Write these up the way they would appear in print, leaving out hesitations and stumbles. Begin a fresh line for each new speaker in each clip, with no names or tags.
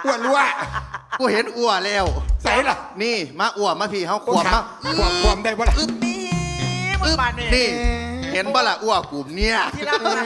อ้วนรั่ว
กูเห็นอ้วแล้ว
ใส่ล่ะ
นี่มาอ้วมาพี่เฮาขวบมา
ความได้บ่ล่ะ
นี่มึงมาเนี่ย
นี่ เห็นบ่ล่ะอ้วกูเนี่ย
ที่รักนะ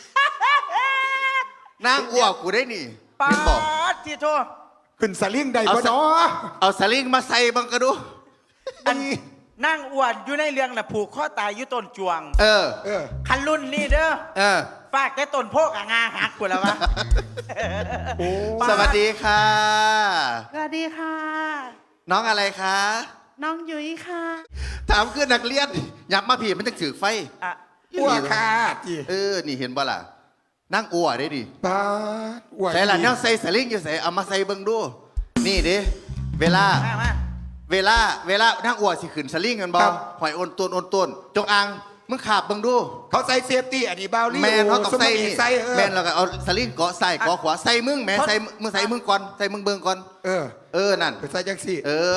นางอ้วกูได้นี่
ปา
เห็นบอก
ดที่โทษ
ขึ้นสลิงได้บ่เนาะ
เอาสลิงมาใส่บังกระดู
อันนั่งอ้วนอยู่ในเรื่องน่ะผูกข้อตายอยู่ต้นจวง
เออ
คันรุ่นนี่เด้อ
เออ
ฝากแต่ต้นโพกอ่ะงาหักกูแล้ววะ
โอ้
สวัสดีค่ะ
สวัสดีค่ะ
น้องอะไรคะ
น้องยุ้ยค่ะ
ถามคือนักเรียนยับมาพี่มันจะถือไฟ
อ่ะ
อ้วนค่ะจี
นี่เห็นบ่ล่ะนั่งอ้วได้ดิ
ปาดอ้วน
ใส่ละแนวใส่สลิงอยู่ใส่เอามาใส่เบิ่งดู นี่ดิเวลา
มา
เวลานั่งอ้วสิขึ้นสลิงกันบ่หอยโอนต้นจงอางมึงขาบเบิ่งดู
เขาใส่เซฟตี้อันนี้บาวลี่
แมนเขาต้องใส่
นี่
นี่
ใส่
แมนเราก็เอาสลิงเกาะใส่เกาะขวาใส่มึงแม่ใส่มึงใส่มึงก่อนใส่มึงเบิ่งก่อน นั่น
ไปใส่จังสี่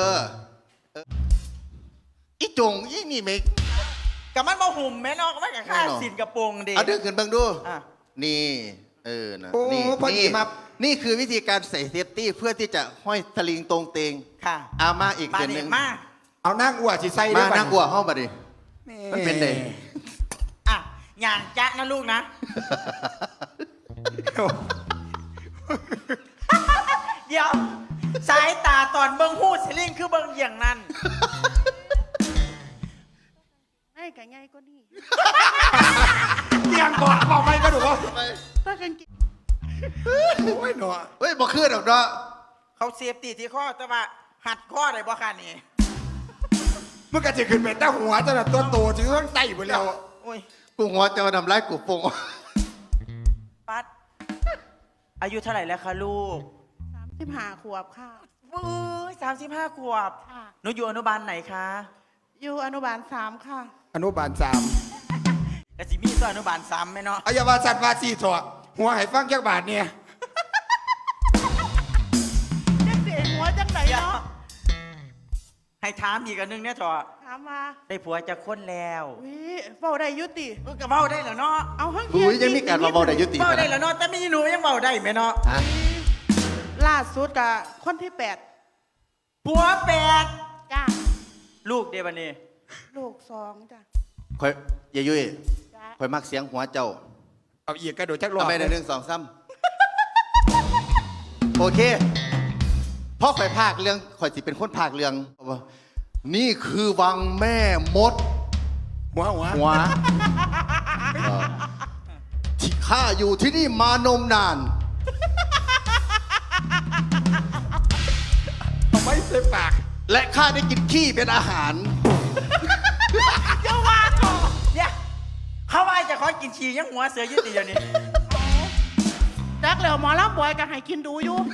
อีจงอีนี่เมก
กับมันมาหุ่มแม่นอกมันกับข้าสินกระโปรงดี
เอาดึงขึ้นเบิ่งดู
อ่ะ
นี่นะ
โอ้
นี่
พอดีมา
นี่คือวิธีการใส่เซฟตี้เพื่อที่จะห้อยสลิงตรงเตง
ค่ะ
เอามาอีก
มา
เดือนห
เด็
นึ่
ก
ง
มา
เอานั่งอ้วนสิใส่
มา
ได้
นั่งอ้วห้องมาดิ มันเป็นไง
อ่ะอย่างจ๊ะนะลูกนะ เดี๋ยว สายตาตอนเบิ้งหูดสลิงคือเบิ้งอย่างนั้น
ไม่กับไงก็นี่
เตียงก่อนบอกไม่ก็ดูว่า
ถ้ากันกิน
โอ้ยหนอ
เฮ้ยบอกขึ้นหรอกเนาะ
เขาเซฟตีที่ข้อแต่ว่าหัดข้อได้บ่ค่ะนี่
มึงก็จะขึ้นไปแต่หัวจะแบบตัวโตถึงต้องไต่ไปแล้ว
โอ้ย
กูหัวจะมาทำร้ายกูปง
ปัด อายุเท่าไหร่แล้วคะลูก
35 ขวบค่ะ
วื้ย35 ขวบ
ค่ะ
หนูอยู่อนุบาลไหนคะ
อยู่อนุบาล 3 ค่ะ
อนุบาล3
กะสิมีตัวอนุบาล3ไหมเนาะ
อายาวาสัตว์วาสีถอดหัวให้ฟังจักบาทเนี่ย
จังเสียหัวจังไหนเนาะ
ให้ถามอีกอันนึงเนี่ยจอ
ถามมา
ได้ผัวจะค้นแล้ว
วิเฝ้าได้ยุติ
เออก็เว้าได้แล้วเนาะ
เอาห้อง
อุ้ยยังมีการมาบอกได้ยุติ
เว้าได้แล้วเนาะแต่มีหนูยังเว้าได้ไหมเนาะ
ฮะ
ล่าสุดกับคนที่
ผัวแปด
8จ้า
ลูกเดบันนี่
ลูก2จ้า
คอยยายยุ้ย
จ้า
คอยมักเสียงหัวเจ้า
เอาอีกกระโดดจักรอบ
เอาไปใน1 2 3โอเคเพราะคอยภาคเรื่องคอยสิเป็นคนภาคเรื่องว่านี่คือวังแม่มด
หัว
หัวที่ข้าอยู่ที่นี่มานมนาน
เอาไม่ใส่ปาก
และข้าได้กินขี้เป็นอาหาร
เจ้าว่าก่อนเนี่ยเขาว่าจะขอกินฉี่ยังหัวเสือยืดตีเดี๋ยวนี้
จักแล้วหมอลำบอยก็ให้กินดูอยู่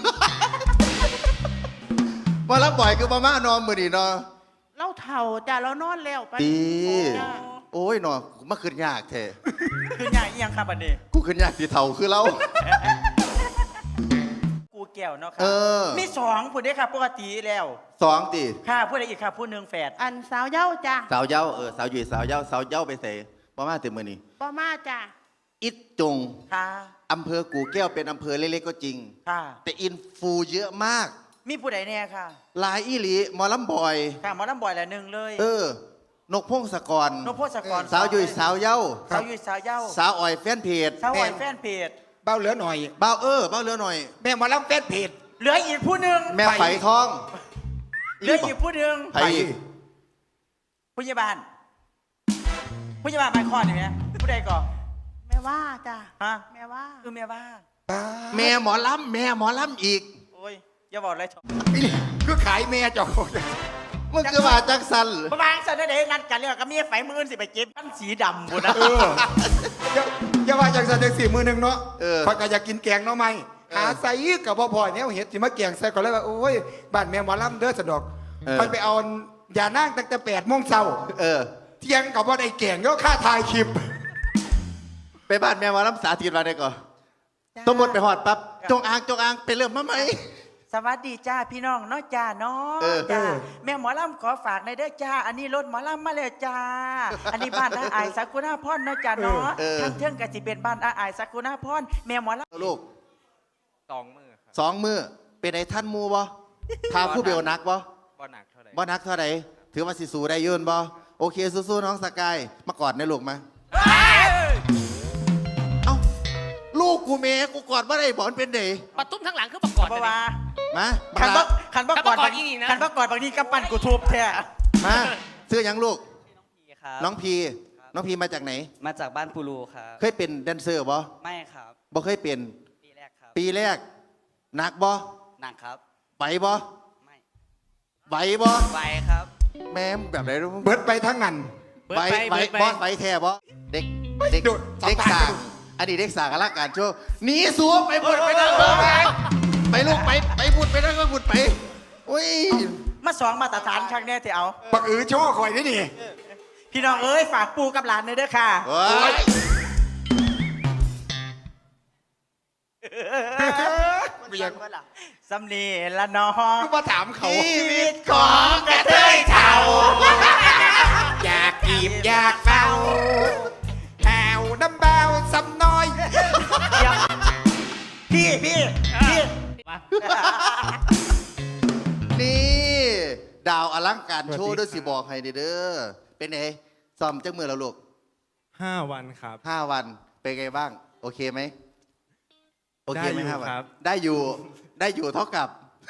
มารับบ่อยคือมาม่านอนมือนี่เนาะ
เราเถ่าจ้าเรานอนแล้วไป
ดี
จ้า
โอ้ยเนาะมาขึ้นยากแท้
คือใหญ่อีหยังครับบันนี้
กูขึ้นยากสีเทาคือเรา
กูแก้วเนาะครั
เออ
มี2ผู้เด้อครับปกติแล้ว
2ตี
ค่ะผู้ใดอีกครับผู้หนึ่งแฝด
อันสาวเย้าจ้า
สาวเย้าสาวอยู่สาวเย้าไปใส่มาม่าเต็มมือนี่
ป้ามาจ้า
อิดจง
ค่ะ
อำเภอกู่แก้วเป็นอำเภอเล็กๆก็จริง
ค่ะ
แต่อินฟูเยอะมาก
มีผู้ใดแน่ค่ะ
หลายอีหลีหมอลำบอย
ค่ะหมอลำบ่อยละหนึ่งเลย
นกพงศกร
นพพศกร
สาวอยู่สาวเย้า
สาวยุยสาวเย้า
สาวอ่อยแฟนเพจ
สาวอ่อยแฟนเพจ
เบ้าเหลือหน่อย
เบ้าเบ้าเรือหน่อย
แม่หมอลำเฟสเพจ
เหลืออีกผู้หนึ่ง
แม่ไฝทอง
เหลืออีกผู้หนึ่ง
ไผ่อีก
ผู้ใหญ่บ้านผู้ใหญ่บ้านไม่คลอดนี่ไหมผู้ใดก่อน
แม่ว่าจ้า
ฮะ
แม่ว่า
คือแม่บ้าน
แม่หมอลำอีก
โอ้ยอย่าบอกเลย
นี่คือขายแม่เจ้า
มึงคือว่าจักสัน
ประมาณสันเดย์นัดกันแล้วก็มีไฟมือสิไปเก็บขั้นสีดำบุนะ
อย่าว่าจากสันเด็กสี่มือหนึ่งเนาะพอยก็อยากกินแกงเนาะไหมหาใส่กับพ่อเนี่ยเห็ดสิมาแกงใส่ก็เลยว่าโอ้ยบ้านแม่หมอลำเด้อสะดอกไปเอายานั่งตั้งแต่8 โมงเช้า เที่ยงกับว่าได้แกงก็ค่าถ่ายคลิป
ไปบ้านแม่หมอลำสาธิตมาได้ก่อนต้องหมดไปหอดปั๊บจงอางไปเริ่มมาไหม
สวัสดีจ้าพี่น้องเนาะจ้าเนาะจ้าแม่หมอลำขอฝากในอยเด้อจ้า อันนี้รถหมอลำมาเลยจ้า อันนี้บ้านอาอายสักุณาพรเนาะจ้าเนาะทางเทิงก็สิเป็นบ้านอาอายสักุณาพรแม่หมอลำ
ลูก
2 มือครับ
2 มือเป็นไอ้ท่านหมูบ่ทาผู้เบลนักบ่
บ่หนักเท่าไหร่
บ่นักเท่าไหร่ถือว่าสิสู้ได้ยืนบ่โอเคสู้ๆน้องสกายมากอดในลูกมาเอ้าลูกกูเมย์กูกอดบ่ได้บ่มันเป็นเด็
ปะตุ้มทั้งหลังคือประกอบ
เพราะว่า
มา
คันบ่
มา
คันบ่
คัน
ก
บ่
อด
กอด
บาง
อีนี่นะ
คันบ่กอดบางทีกำปั้นกูทุบแท้
มาซื้อหยังลูก
ครับ
น้องพีน้องพีมาจากไหน
มาจากบ้านปูรูครับ
เคยเป็นแดนเซอร์บ่
ไม่ครับ
บ่เคยเป็น
ปีแรกครับ
ปีแรกหนักบ่
หนักครับ
ไหวบ่
ไม่
ไหวบ่
ไวครับ
แม่มแบบไหนรู้
เบิดไปทั้งนั้น
เบิด
ไหว
ไป
ไหว
เบิดไป
บอสไหวแท้บ่เด็กเด็ก
โดด
เด็ก
สัมภาษณ์
สางอดีตเด็กสางอลังการโชว์หนีสัวไปบุดไปนั่งเบิ่งไปลูกไปบุดไปนั่งบุดไปอุ้ย
มาสองมาตรฐานครั้งแน่ที่เอา
ปักอือโชว์คอยนี่นี่
พี่น้องเอ้ยฝากปูกับหลานเลยเด้อค่ะ
โอ้ย
ไม่อยาก
สำนีละน้อง
ก็มาถามเขา
ชีวิตของกระเทยเฒ่า
อยากกีบอยากเฝ้าแหวน้ำเบาสำน้อย
เดี๋ยวพี่
นี่ดาวอลังการโชว์ด้วยสิบอกให้เด้อเป็นไงซ้อมจักมือแล้วลูก
5 วันครับ
5 วันเป็นไงบ้าง โอเคไหมโอเคไหม
ได้อยู่
5 วัน
ครับ
ได้อยู่เท่ากับ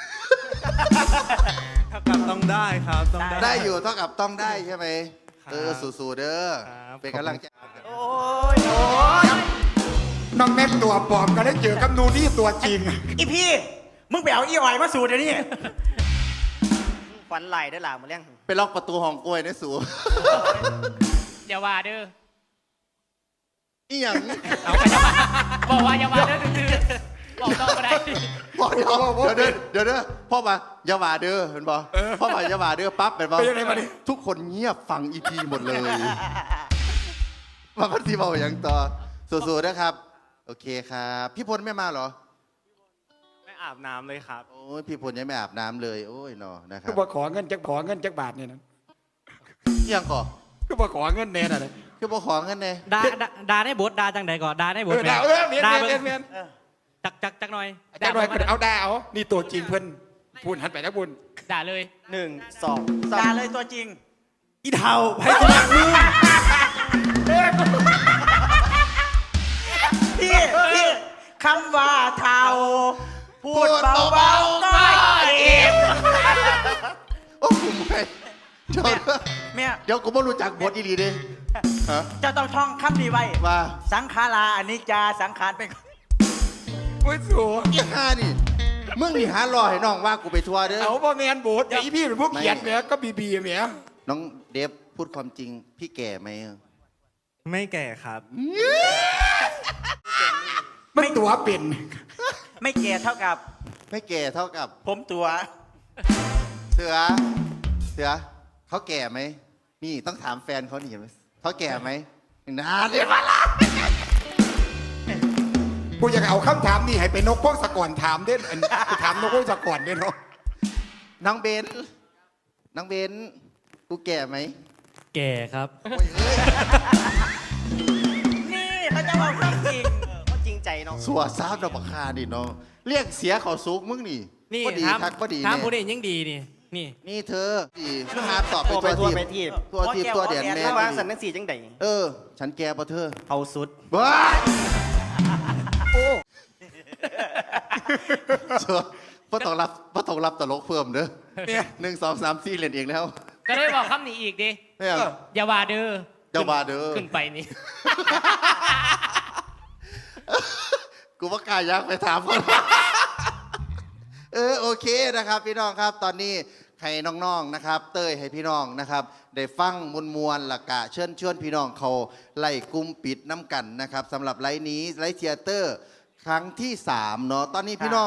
ถ้ากลับต้องได้ครับต้องได้
ได้อยู่เท่ากับต้องได้ใช่ไหม
ครับ
สู้ๆเด้อ
ครับ
เป็นกำลังใจ
โอ้ย
น้องแม็กตัวปลอมก็ได้เจอกับนูนี่ตัวจริง
อีพี่ มึงไปเอาอีอ่อยมาสูดเดี๋ยวนี้
ฟันไหลได้หล่ะมาเลี้ยง
ไปล็อกประตูห้องกล้วยนะสู
อย่าว่าเด้อ
อีหยัง
บอกว่าอย่าว่าเด้อตื่นๆบอกต้องก็ได้
บอกเดี๋ยวพ่อมาอย่าว่าเด้อเห็นบ่พ่อมาอย่าว่าเด้อปั๊บเป็นบ่
เป็นยังไงมาดิ
ทุกคนเงียบฟังอีพีหมดเลยมาพันธีบอกอย่างต่อสู้ๆนะครับ โอเคครับ พี่พลไม่มาเหรอ
ไม่อาบน้ำเลยครับ
โอ้ยพี่พลยังไม่อาบน้ำเลยโอ้ยเนาะนะครั
คื
บ
อบ่ขอเงินจักบาทเนี่ยนะ
เอี่ยงก่อ
คือบ่ขอเงินแน่น่ะเลย
คือบ่ขอเงินแน่
ดาได้บทดาจังใดก่อนดาได้บท
ดาเมียน
ดา
เมียนเมียน
จักหน่อย
จักหน่อยเอาดาเอานี่ตัวจริงเพิ่นพูดหันไปนะบุญ
ด่าเลย
1 2
ด่าเลยตัวจริง
อีเทาให้กูรักมึง
พี่คำว่าเทาพูดเบาๆก็เอ็ม
โอ้ผมไม่เดี๋ยว
แม่
เดี๋ยวกูไม่รู้จักบทอีหลีเด้ฮะ
จะต้องท่องคำนี้ไว้
ว่า
สังขาราอนิจจาสังขารเป็น
โอ้ยสัว
อีห่านี่มึงนี่หารอให้น้องว่ากูไปทัวร์เด้อ
เอาบ่แมนโบสไอ้พี่เป็นผู้เขียนแหมก็บีแหม
น้องเดฟพูดความจริง พี่แก่ไหม
ไม่แก่ครับ
มันตัวเป็น
ไม่แก่เท่ากับ
ไม่แก่เท่ากับ
ผมตัว
เสือเขาแก่ไหมนี่ต้องถามแฟนเขานี่เห็นไหมเขาแก่ไหมนานเลยมาละ
กูอยากเอาคำถามนี่ให้ไปนกพวกสะก่อนถามเด่นอันกูถามนกพวกสะก่อนเด่นเนาะ
น้องเบนกูแก่ไหม
แก่ครับ
นี่เขาจะบอกความจริง
เขาจริงใจเนาะ
สัวซาบดอกบักคาดิเนาะเรียกเสียเขาซุกมึงนี่
นี่
ก็ดี
ถาม
ทักก็ดี
ถาม
เนี่ย
ผู้เด่นยังดีนี่นี่
นี่เธอดีมึงหาตอบไป
ทั่ว
ตัว
ไป
ที
ทั่วไปที
ตัวเดียนแน่
ถ้าวางสันนังสีจังใด
ฉันแก่ปะเธอ
เอาสุด
บ้าโอ้ชัวพ่ต้องรับตลกเพิ่มเด้อ
เนี่ย
1 2 3 4เล่นเองแล้ว
ก็ได้บอกคำนี้อีกดิ
เนี่ย
อย่าว่าเด้อ
อย่าว่าเด้อ
ขึ้นไปนี่
กูว่ากล้ายักไปถามคนโอเคนะครับ พี่น้องครับ ตอนนี้ให้น้องๆนะครับ เต้ยให้พี่น้องนะครับ ได้ฟังมวลๆหลักกะเชิญพี่น้องเขาไล่กลุ่มปิดน้ำกันนะครับสำหรับไลฟ์นี้ไลฟ์เทียเตอร์ ครั้งที่3เนาะตอนนี้พี่น้อง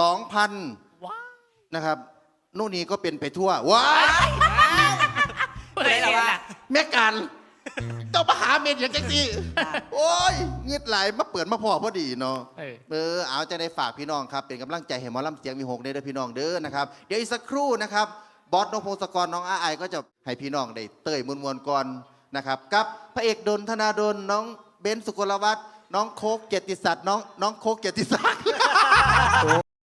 2,000นะครับนู่นนี่ก็เป็นไปทั่วว้าย
เปิดเลยล่ะ
แม่กันเจ้ามาหาเมนอย่างจังสิโอ้ยเงียดไหลมาเปิดมาพอพอดีเนาะ เอาจะได้ฝากพี่น้องครับเป็นกำลังใจให้หมอลำเสียงมีหกเด้อพี่น้องเด้อนะครับเดี๋ยวอีกสักครู่นะครับบอสนพพงศกรน้องอาไอก็จะให้พี่น้องได้เต้ยมวลๆก่อนนะครับกับพระเอกดลธนาดลน้องเบนซ์สุกลวัฒน์น้องโคกเกียรติศักดิ์น้องโคกเกียรติศักดิ์